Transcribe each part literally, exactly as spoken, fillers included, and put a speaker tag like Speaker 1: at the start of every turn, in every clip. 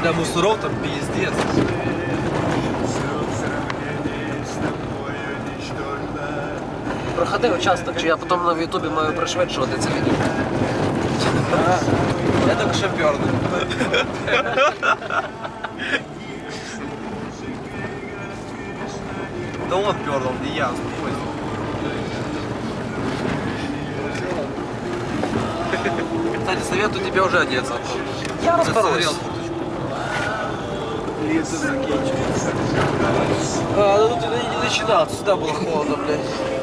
Speaker 1: Бля, мусоров там пиздец.
Speaker 2: Проходи участок, чи я потім на ютубі маю пришвидшувати це відео.
Speaker 1: Я только что пернул. Да он пернул, не я, успокойся. Кстати, советую тебе уже одеться.
Speaker 2: Я розберусь.
Speaker 1: Лето заканчивается. А, ну тут я не начинал, сюда было холодно, блядь.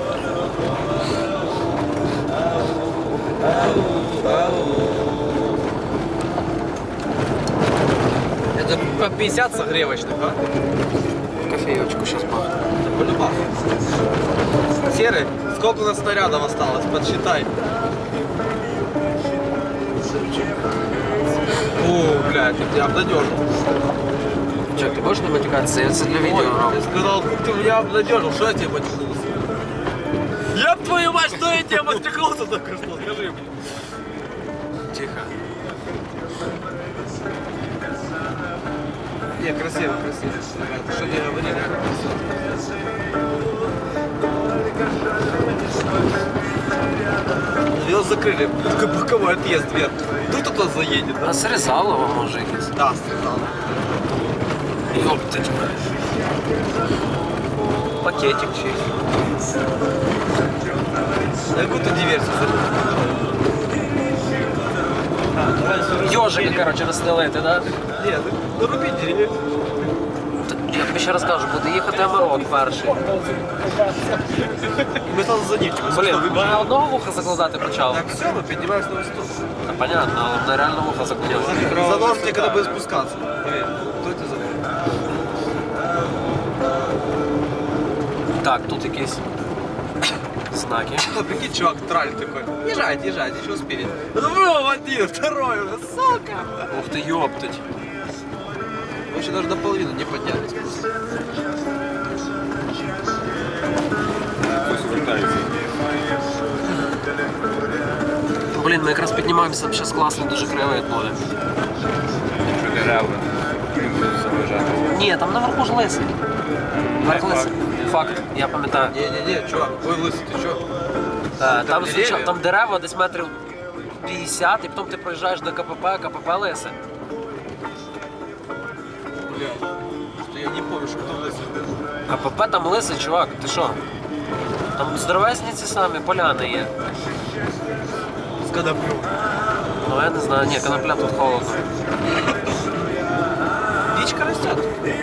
Speaker 1: Это по пятьдесят согревочных, а?
Speaker 2: Кофеечку сейчас бахну.
Speaker 1: По-любому. Серый, сколько у нас снарядов осталось? Подсчитай. О, блядь, ты меня обнадежил.
Speaker 2: Че, ти можеш не матюкатися? Я це для відео
Speaker 1: Ой,
Speaker 2: роблю.
Speaker 1: ты сказал, ты меня обнадежил, что я тебе матюкнулся? Я твою мать, что я тебе матюкнулся только что? Скажи мне.
Speaker 2: Тихо.
Speaker 1: Не, красиво, красиво. Что не говорили? Его закрыли, такой боковой отъезд вверх. Тут кто-то заедет, да?
Speaker 2: А Срезалово може якесь?
Speaker 1: Да, сказал.
Speaker 2: Ёптать. Пакетик чийсь.
Speaker 1: Какую-то диверсию.
Speaker 2: Йожики, коротше, розстелити, да?
Speaker 1: Нет, ну руби деревья.
Speaker 2: Я тобі ще раз кажу, буде їхати Амарок перший.
Speaker 1: Мы сразу за ним.
Speaker 2: Блін, мене одного вуха закладати почав.
Speaker 1: Так, все, мы поднимаемся на высоту.
Speaker 2: Та понятно, але мене реально вуха закладав.
Speaker 1: Занос тебе, когда будет спускаться. Поверь, кто это занос?
Speaker 2: Так, тут якісь знаки.
Speaker 1: Ну, прикинь, чувак, траль такой. Езжайте, езжайте, еще успели. Ну, один, второй уже, сука.
Speaker 2: Ух ти, ёптать.
Speaker 1: Вообще даже до половины не поднялись.
Speaker 2: Блін, ми якраз піднімаємося, там зараз класно, дуже кривий буде.
Speaker 3: Що дерева не будуть заважати.
Speaker 2: Ні, там наверху ж лисий. Верх лисий. Факт, я пам'ятаю.
Speaker 1: Не-не-не, чувак, ой, лысый, ты чё?
Speaker 2: Е, Там,
Speaker 1: дерев'я?
Speaker 2: звичай- там дерева десь метрів п'ятдесят, і потім ти проїжджаєш до КПП, КПП лисе.
Speaker 1: Блядь, что я не помню, что там лысый.
Speaker 2: КПП там лисий, чувак, ти що? Там здоровезні ці самі поляни є.
Speaker 1: С коноплём.
Speaker 2: Ну я не знаю, ні, конопля тут холодно.
Speaker 1: Дичка растет.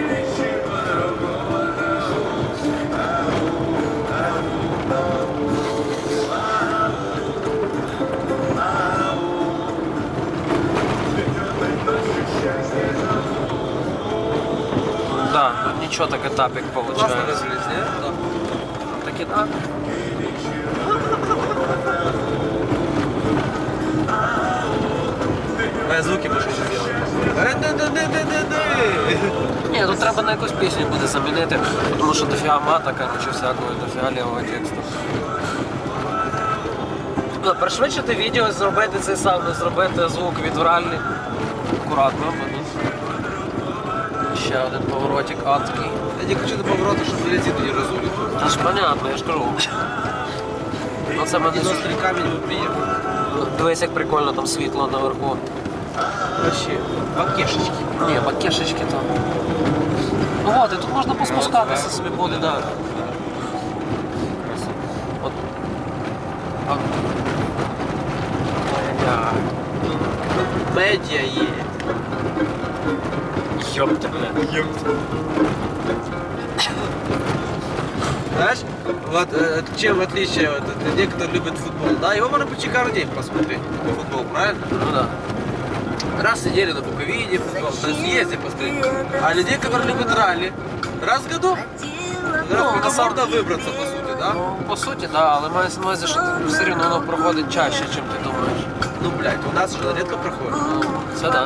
Speaker 2: Да, тут нічого так етапік
Speaker 1: Классно
Speaker 2: виходить.
Speaker 1: разжились, не? Да.
Speaker 2: Так і так.
Speaker 1: А звуки больше не делаю.
Speaker 2: Ні, тут треба на якусь пісню буде замінити, тому що дофіга мата, коротше, всякого, дофіга лівого тексту. Ну, пришвидшити відео, зробити цей саунд, зробити звук відвральний. Акуратно, бо тут ще один поворотик адський.
Speaker 1: Я не хочу до поворота, чтобы резину не разули.
Speaker 2: Та ж понятно, я ж кажу. Ну це мене...
Speaker 1: Один острый камень мы приехали.
Speaker 2: Дивись, як прикольно там світло наверху.
Speaker 1: Вообще, бакешечки.
Speaker 2: Ні, бакешечки там. Ну от, і тут можна поспускатися собі буде, да. От. От.
Speaker 1: Да. Медиа едет.
Speaker 2: Ёпта, бля.
Speaker 1: Знаешь, вот э, чем отличие, вот, это, некоторые любят футбол, да, его можно почти каждый день посмотреть, футбол, правильно?
Speaker 2: Ну да.
Speaker 1: Раз в неделю на Буковине футбол, на съезде посмотреть, а людей, которые любят ралли, раз в году, раз в году
Speaker 2: на самом-
Speaker 1: можно выбраться, по сути, да?
Speaker 2: Ну, по суті, да, але маю на увазі, що все рівно воно проходить чаще, ніж ти думаєш.
Speaker 1: Ну, блядь, у нас же редко проходит.
Speaker 2: Ну, це да.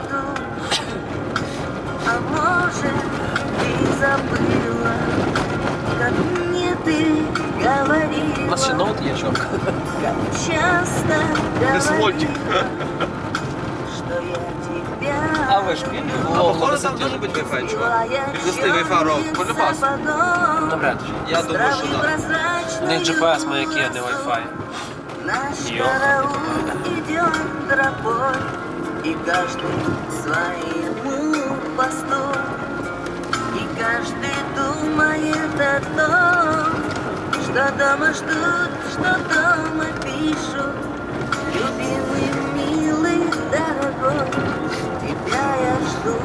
Speaker 4: А может, ты забыла, как мне ты говорила,
Speaker 2: У нас ще ноут є, чувак.
Speaker 4: как часто
Speaker 1: Без мультик.
Speaker 4: говорила, что я тебя
Speaker 2: А ви ж пільні?
Speaker 1: А походу там должен быть Wi-Fi, чувак. Передасти Wi-Fi ров. Полюбас.
Speaker 2: Навряд чи.
Speaker 1: Я думаю, что да.
Speaker 2: У них джі пі ес маяки, а не Wi-Fi.
Speaker 4: Наш
Speaker 2: Ё.
Speaker 4: караул идет тропой, и каждый своему посту, и каждый думает о том, что дома ждут, что дома пишут. Любимый, милый, дорогой, тебя я жду.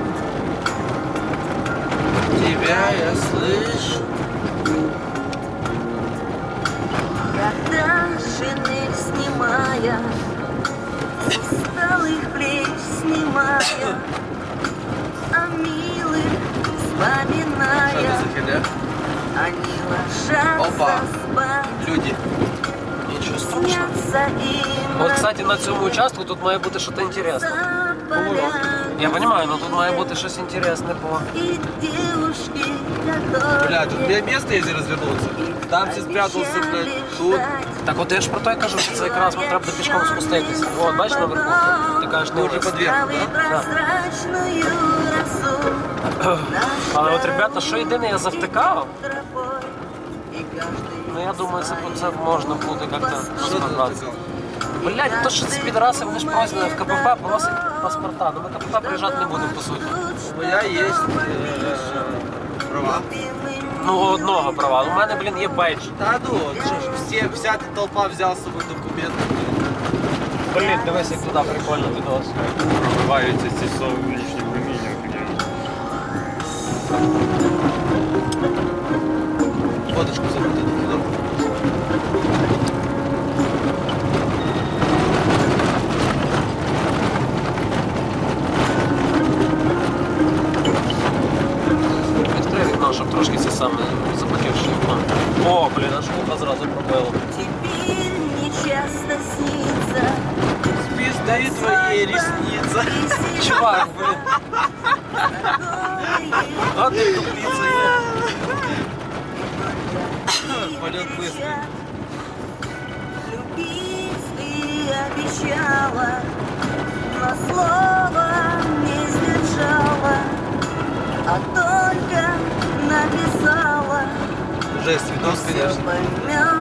Speaker 1: Тебя я слышу.
Speaker 4: Когда шинель снимая, с усталых плеч снимая, о милых
Speaker 1: Что
Speaker 4: вспоминая,
Speaker 1: это за фигня?
Speaker 4: они ложатся
Speaker 1: Опа.
Speaker 4: спать,
Speaker 1: Люди.
Speaker 2: Нічого страшного.
Speaker 4: снятся им
Speaker 2: От, кстати, на цьому участку тут має бути щось інтересне. Я розумію, але тут має бути щось інтересне по...
Speaker 4: и девушки, которые
Speaker 1: Бля, тут мне место есть развернуться. Там все спрятался, блядь, тут.
Speaker 2: Так от я ж про те кажу, що це якраз нам треба пішком спуститися. От, бачиш наверху? Ти кажеш, не
Speaker 1: Ми вже
Speaker 2: вниз.
Speaker 1: під'їхали, да?
Speaker 4: прозрачную росу.
Speaker 2: Але от, ребята, що єдине, я завтикав,
Speaker 4: Тропой, и каждый
Speaker 2: ну я думаю, це, це можна буде як-то
Speaker 1: Что ты
Speaker 2: розібратися.
Speaker 1: сказал?
Speaker 2: Блять, то що ці підраси, вони ж просять в КПП просять паспорта. Ну ми КПП приїжджати не будемо, по суті.
Speaker 1: У меня есть э, права.
Speaker 2: Ну, у одного права. У мене, блін, є бейдж.
Speaker 1: Да ну, что ж, все, вся эта толпа взял с собой документы.
Speaker 2: Блін, дивись, як туди прикольно відос.
Speaker 3: Пробиваються ці сонячні проміння.
Speaker 1: Фоточку забудь.
Speaker 2: Відкрий вікно, щоб трошки це саме запотівши вікно. О, блін, аж вуха зразу пробило.
Speaker 4: Теперь мне часто снится
Speaker 1: Спизды твои ресницы.
Speaker 2: Чувак, блін.
Speaker 4: такое
Speaker 2: А ти тупиця є.
Speaker 1: Полет быстрый.
Speaker 4: Любить ты обещала, но слова не сдержала, а только написала.
Speaker 1: Жесть, видос,
Speaker 4: Всё
Speaker 1: конечно.
Speaker 4: поймёт.